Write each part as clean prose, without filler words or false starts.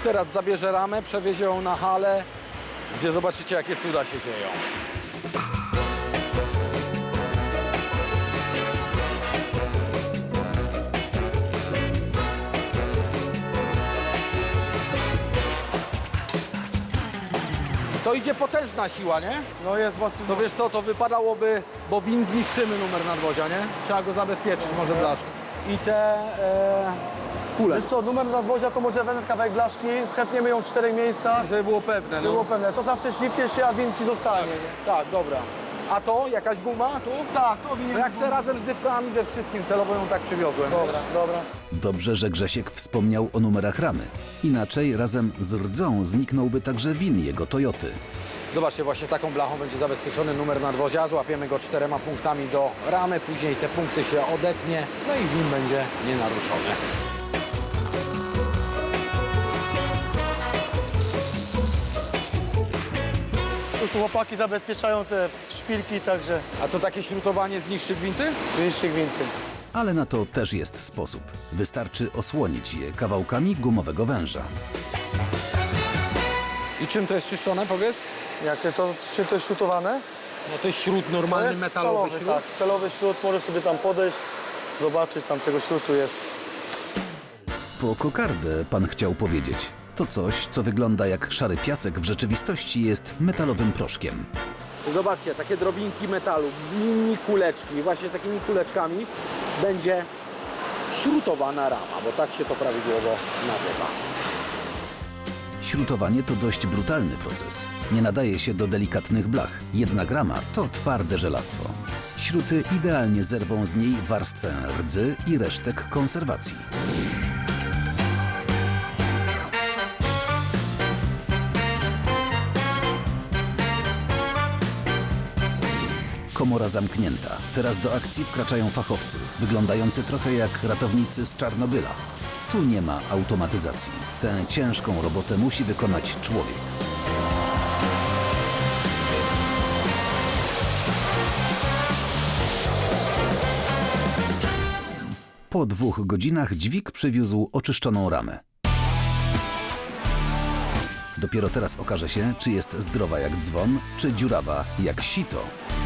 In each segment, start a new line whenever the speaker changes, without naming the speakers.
teraz zabierze ramę, przewiezie ją na halę, gdzie zobaczycie, jakie cuda się dzieją. To idzie potężna siła, nie?
No jest mocno.
To wiesz co, to wypadałoby, bo win zniszczymy numer nadwozia, nie? Trzeba go zabezpieczyć, może blaszkę. I te kule,
Wiesz co, numer nadwozia to może jeden kawałek blaszki, chętniemy ją w 4 miejscach,
żeby było pewne. No.
było pewne. To zawsze ślipnie się, a win ci zostanie, nie?
Tak, dobra. A to? Jakaś guma tu?
Tak, to win
No ja chcę razem z dyframi, ze wszystkim, celowo ją tak przywiozłem.
Dobra, dobra.
Dobrze, że Grzesiek wspomniał o numerach ramy. Inaczej razem z rdzą zniknąłby także win jego Toyoty.
Zobaczcie, właśnie taką blachą będzie zabezpieczony numer nadwozia. Złapiemy go 4 punktami do ramy, później te punkty się odetnie, no i win będzie nienaruszony.
Tu chłopaki zabezpieczają te szpilki, także
A co, takie śrutowanie zniszczy gwinty?
niższy gwinty.
Ale na to też jest sposób. Wystarczy osłonić je kawałkami gumowego węża.
I czym to jest czyszczone, powiedz?
Czy to jest śrutowane?
No to jest śrut,
To
normalny
jest
metalowy
stalowy,
śrut.
tak, stalowy śrut, możesz sobie tam podejść, zobaczyć, tam tego śrutu jest.
Po kokardę pan chciał powiedzieć. To coś, co wygląda jak szary piasek, w rzeczywistości jest metalowym proszkiem.
Zobaczcie, takie drobinki metalu, mini kuleczki, właśnie takimi kuleczkami będzie śrutowana rama, bo tak się to prawidłowo nazywa.
Śrutowanie to dość brutalny proces. Nie nadaje się do delikatnych blach. Jedna rama to twarde żelastwo. Śruty idealnie zerwą z niej warstwę rdzy i resztek konserwacji. Komora zamknięta. Teraz do akcji wkraczają fachowcy, wyglądający trochę jak ratownicy z Czarnobyla. Tu nie ma automatyzacji. Tę ciężką robotę musi wykonać człowiek. Po 2 godzinach dźwig przywiózł oczyszczoną ramę. Dopiero teraz okaże się, czy jest zdrowa jak dzwon, czy dziurawa jak sito.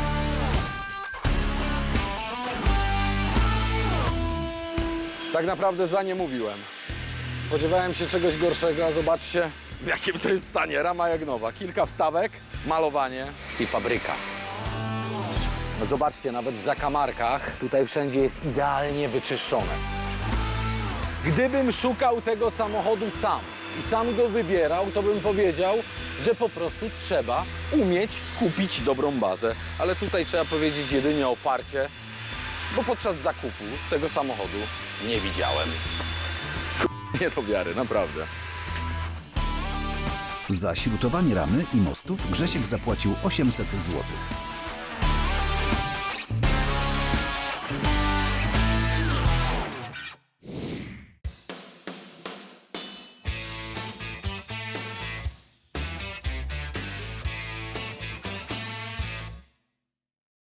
Tak naprawdę za nie mówiłem. Spodziewałem się czegoś gorszego, a zobaczcie, w jakim to jest stanie. Rama jak nowa. Kilka wstawek, malowanie i fabryka. Zobaczcie, nawet w zakamarkach tutaj wszędzie jest idealnie wyczyszczone. Gdybym szukał tego samochodu sam i sam go wybierał, to bym powiedział, że po prostu trzeba umieć kupić dobrą bazę. Ale tutaj trzeba powiedzieć jedynie o farcie, bo podczas zakupu tego samochodu nie widziałem. Nie do wiary, naprawdę.
Za śrutowanie ramy i mostów Grzesiek zapłacił 800 zł.